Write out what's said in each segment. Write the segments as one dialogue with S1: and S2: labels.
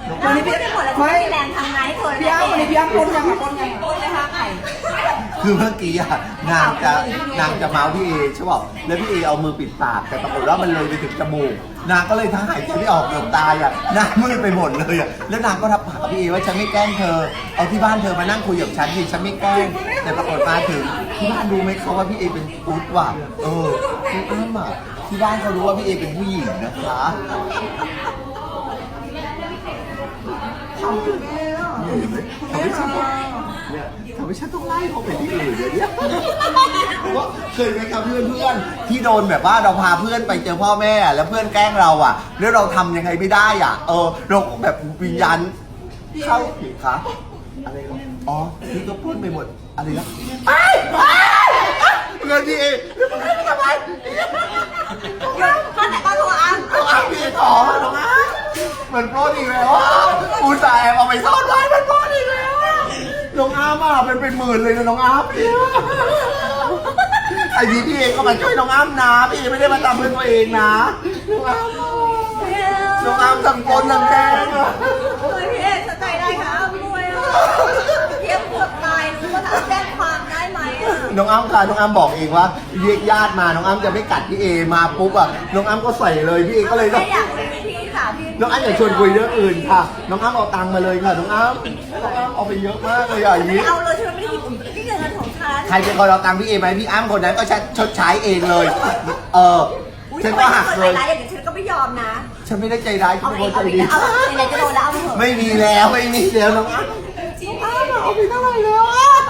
S1: วันนี้พี่หมดแล้วไม่แรงทำงานให้เธอพี่อ้ำวันนี้พี่อ้ำปนยังปนเลยค่ะไข่
S2: คือเมื่อกี้อะนางจะเมาส์พี่เอใช่ป่ะแล้วพี่เอเอามือปิดปากแต่ปรากฏว่ามันเลยไปถึงจมูกนางก็เลยทั้งหายใจไม่ออกเกือบตายอ่ะหน้ามืดไปหมดเลยอ่ะแล้วนางก็รับปากกับพี่เอว่าฉันไม่แกล้งเธอเอาที่บ้านเธอมานั่งคุยกับฉันสิฉันไม่แกล้งแต่ปรากฏมาถึงที่บ้านรู้ไหมเขาว่าพี่เอเป็นตุ๊ดว่ะพี่อ้ำอ่ะที่บ้านเขารู้ว่าพี่เอเป็นผู้หญิงนะคะทำให้ฉันต้องไล่เขาไปที่อื่นเลยเนี่ยว่าเคยไหมครับเพื่อนที่โดนแบบว่าเราพาเพื่อนไปเจอพ่อแม่แล้วเพื่อนแกล้งเราอ่ะแล้วเราทำยังไงไม่ได้อ่ะเราแบบวิญญาณเข้าผิดคะอะไรหรออ๋อพี่ก็พูดไปหมดอะไรนะเงินพี่เองทำไม
S1: ข้าแต่ก็ตัวอ้ำ
S2: พี่ขอน้องอ้ำมันโปรดอีกแล้วอุตส่าห์เอาไปซ่อนไว้มันโปรดอีกแล้วน้องอ้ำอ่ะเป็นหมื่นเลยนะน้องอ้ำไอ้พี่เองก็มาช่วยน้องอ้ำนะพี่ไม่ได้มาทำเพื่อตัวเองนะน้องอ้ำทำคนทำแกง
S1: พี่เอกสใจได้ค่ะอ้ำด้วยเทียบเกือบตายรู้ว่าแจ้งความได้ไหม
S2: น้องอ้ำค่ะน้องอ้ำบอกเองว่าเรียกญาติมาน้องอ้ำจะไม่กัดพี่เอมาปุ๊บอ่ะน้องอ้ำก็ใส่เลยพี่เอก็เลย
S1: ไม่อยากคุยพี่ค่ะพี่
S2: น้องอ้ำอยากชวนคุยเรื่องอื่นค่ะน้องอ้ำเอาตังค์มาเลยค่ะน้องอ้ำเอาไปเยอะมากเลยอย่างนี้
S1: ไม่เอาเลยฉันไม่ได้หยิบที่เงินของฉัน
S2: ใครเป็นคนเอาตังค์พี่เอไหมพี่อ้ำคนนั้นก็ชดใช้เองเลยฉันก็หักเลย
S1: อย่างนี้ฉันก็ไม่ยอมนะ
S2: ฉันไม่ได้ใจร้ายฉันเป็นคนใจดี
S1: อะไรจะโดนแล้วเอา
S2: ไม่มีแล้วน้องอ้ำเอาไปเท่าไหร่แล้ว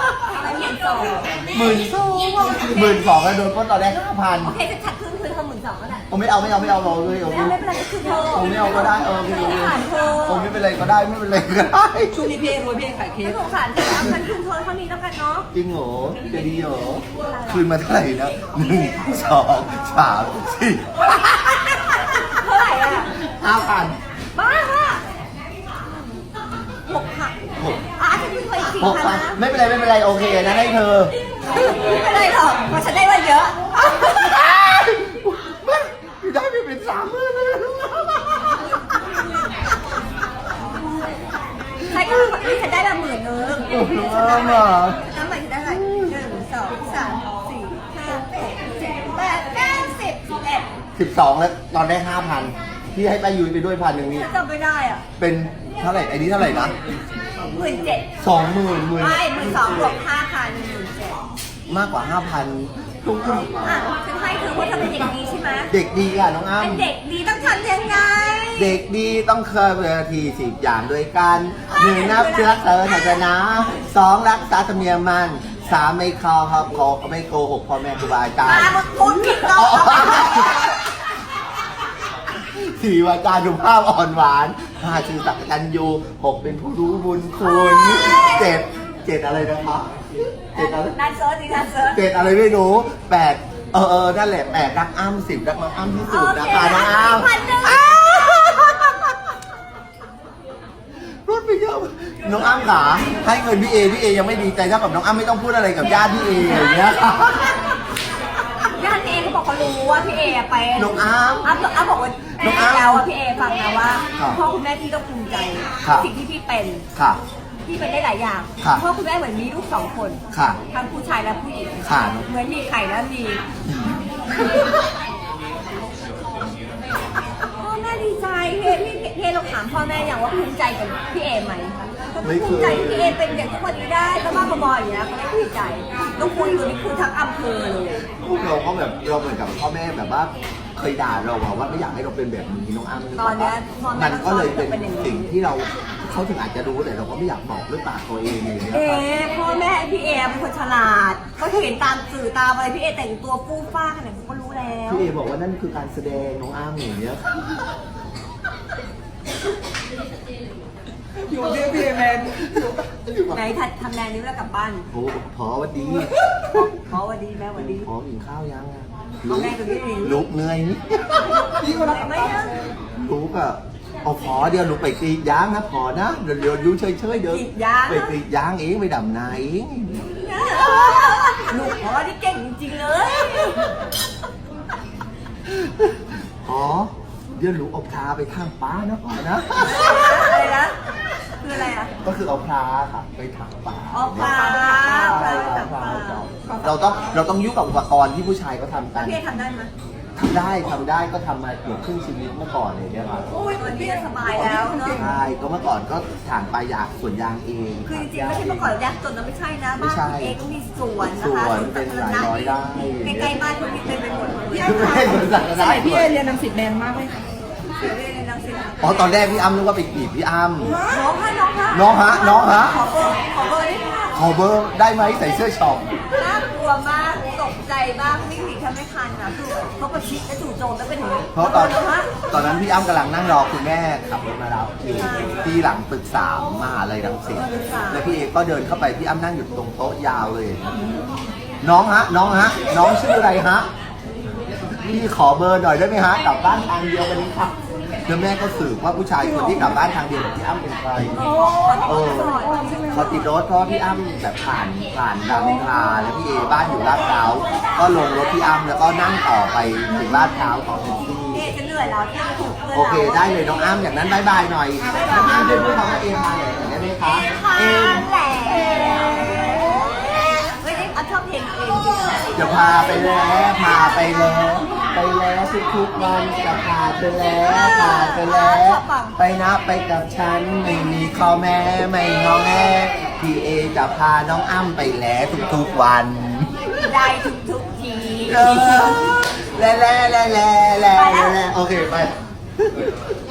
S2: 12,000แล้วโดนปล้นตอนแรก5,000
S1: โอเคจะชัดคืน12,000ก็ได้
S2: ไม่เอาเราเลย
S1: ไม่เป็นไรก็คือเธอ
S2: ไม่เอาก็ได้ไม่เป็นไรก็ได้ไม่เป็นไรก็ได้
S1: ช่วงนี้พี่รวยพี่ขายเค้กสงสารฉันคืนเธอเท่านี้แล้วกันเนาะ
S2: จริงเหรอจะดีเหรอคืนมาเท่าไหร่นะ1 2 3 4
S1: เท่าไหร่อ่ะ
S2: 5,000
S1: บ้าค่ะ6,000อาจจะเคย4,000นะ
S2: ไม่เป็นไรโอเคนะให้เธอ
S1: ไม่เป็นไรหรอกเพราะฉันได้มาเยอะ
S2: ได้ไปเป็น30,000เลย
S1: ใช่ก็ฉันได้มา10,000
S2: น้ำ
S1: น้ำใหม่ฉันได้อะไร1 2 3 4 5 6 7 8 9 10
S2: 12แล้วตอนได้ 5,000ที่ให้ป้ายุ้ยไปด้วย1,000นี่
S1: ฉันจำไม่ได้อ่ะ
S2: เป็นเท่าไหร่ไอ้นี้เท่าไหร่นะ
S1: 17,000
S2: 20,000
S1: ไม่12,000 บวก 5,000 17,000
S2: มากกว่า 5,000ตุ้ง
S1: ฉันให้เธอเพราะเธอเป็นเด็กดีใช่ไหม
S2: เด็กดีอ่ะน้องอ้ำ
S1: เป็นเด็กดีต้องทำยังไง
S2: เด็กดีต้องเคยเวที10 อย่างด้วยกัน1นับเชื้อเธอศาสนา2รักษาธรรมเนียมมัน3ไม่เข้าครับขอไม่โกหกพ่อแม่ครูบาอาจารย์
S1: มาพูดผิดเรา
S2: 4วาจาสุภาพอ่อนหวาน5ชื่อสักกันยู6เป็นผู้รู้บุญคุณ7อะไรนะคะ
S1: นั่นเซิร์ชดินั่นเซิร์ช
S2: 7อะไรไม่รู้8นั่นแหละ8รักอ้ำ10รักน้องอ้ำที่สุดนะคะน้องอ้ำรถไปเยอะน้องอ้ำขาให้เงินพี่เอยังไม่ดีใจเท่ากับน้องอ้ำไม่ต้องพูดอะไรกับญาติพี่เออย่างเงี้ย
S1: ญาติพี่เอเขาบอกเขารู้ว่าพี่เอไป
S2: น้องอ้ำ
S1: บอกว่าน้องอ้ำแล้วว่าพี่เอฟังนะว่าพ่อคุณแม่พี่ก็ภูมิใจสิ่งที่พี่เป็นพี่เป็นได้หลายอย่างพ่อคุณแม่เหมือนมีลูก2 คนทั้งผู้ชายและผู้หญิงเหมือนมีไข่และมีพ่อแม่ดีใจเฮเราถามพ่อแม่อย่างว่าภูมิใจกับพี่เอไหมภูมิใจที่พี่เอเป็นอย่างทุกวันนี้ได้ก็บ้าบออย่างเงี้ยเขาไม่ภูมิใจต้องคุยอยู่นี่คือทั้งอำเภอเลย
S2: เราก็แบบเราเหมือนกับพ่อแม่แบบว่าเคยด่าเราว่าไม่อยากให้เราเป็นแบบนี้น้องอ้ำ
S1: ตอนนี้
S2: มันก็เลยเป็นสิ่งที่เขาถึงอาจจะรู้แต่เราก็ไม่อยากบอกด้วยปากตัวเองอย่างเงี้ย
S1: พ่อแม่พี่เอเป็นคนฉลาดเขาเห็นตามสื่อตามอะไรพี่เอแต่งตัวฟู่ฟ้าขนาดนี้เขาก็รู้แล้ว
S2: พี่เอบอกว่านั่นคือการแสดงน้องอ้ำอย่างเงี้ย
S1: อยู่ที่พี่แมนไหนทำแมนนี้แล้วกลับบ้าน
S2: โอ้พอวันดี
S1: พอวันดีแม่วันดี
S2: พอกินข้าวยัง
S1: แม่กับพี่
S2: ลุกเหนื่อยนี่
S1: ก็ได้ไหม
S2: ลุกอ่ะเอาพอเดี๋ยวลุกไปกรีดยางนะพอนะเดี๋ยวยูเฉยเดี๋ยวไปกรีดยางเองไปดำนาเอง
S1: ลูกพอที่เก่งจริงเลย
S2: พอเดี๋ยวลุกเอาพาไปข้างป้านะพอนะ
S1: อะไรนะ
S2: ก็คือเอาพระค่ะไปถักป่า
S1: อ๋อพระ
S2: เราต้องยุ่งกับอุปกรณ์ที่ผู้ชายเขาทำกัน
S1: พี่เอทำได้ไหม
S2: ทำได้ก็ทำมาเกือบครึ่งชีวิตเมื่อก่อนเลยเนี่ยครับ
S1: โอ้ยวันนี้สบายแล้วเนาะ
S2: ใช่ก็เมื่อก่อนก็ถางปลายางสวนยางเอง
S1: คือจริงๆไม่ใช่เมื่อก่อนยากจนนะไม่ใช่นะ
S2: ไม่
S1: บ้าน
S2: ใช่
S1: พี่เอก็มีสวนนะคะ
S2: สวนเป็นหลายร้อยไร่
S1: ใกล้ๆบ้านคนมีเต็มไปหมดเลย
S2: ไม่ใช่สวนสัตว์
S3: สมัยพี่เอเรียนรังสิตแมนมากเลยค่ะ
S1: เรียนในรังสิต
S2: อ๋อตอนแรกพี่อ้ำนึกว่าไปกีบพี่อ้ำ
S1: น้องฮะ
S2: น้องฮะ
S1: ขอเบอร์ได้ไหม
S2: ขอเบอร์ได้ไหมใส่เสื้อช็อป
S1: น่ากลัวมากตกใจมากวิ่งหนีแทบไม่ทันนะคือเขาประชิดและจู่โจมแล้วเป็นอย่างนี้
S2: เพราะตอนนั้นพี่อ้ำกำลังนั่งรอคุณแม่ขับรถมารับอยู่ที่หลังตึก3มหาลัยรังสิตแล้วพี่เอก็เดินเข้าไปพี่อ้ำนั่งอยู่ตรงโต๊ะยาวเลย น้องฮะ น้องชื่ออะไรฮะพี่ขอเบอร์หน่อยได้ไหมฮะกลับบ้านทางเดียวกันนี้ครับแล้วแม่ก็สืบว่าผู้ชายคนที่กลับบ้านทางเดียวกับพี่อ้ำเป็นใครเขาติดรถเพราะพี่อ้ำแบบผ่านรามอินทราแล้วพี่เอบ้านอยู่ลาดพร้าวก็ลงรถพี่อ้ำแล้วก็นั่งต่อไปถึงลาดพร้าวของแท็กซี่
S1: เอจะเหนื่อยแล้วที่จะถูกเพื่อน
S2: โอเคได้เลยน้องอ้ำอย่างนั้นบายบายหน่อยน้องอ้ำเดินพูดคำว่าเอมาเลยได้ไหมคะ
S1: เอ
S2: เอ
S1: ไม่ได้ชอบเพลงเอง
S2: จะพาไปแล้วทุกๆวันจะพาไปแล้วไปนะไปกับฉันไม่มีข้อแม้ไม่งอแงพี่เอจะพาน้องอ้ำไปแล้วทุกๆวัน
S1: ได้ทุกที
S2: แล้วโอเคไป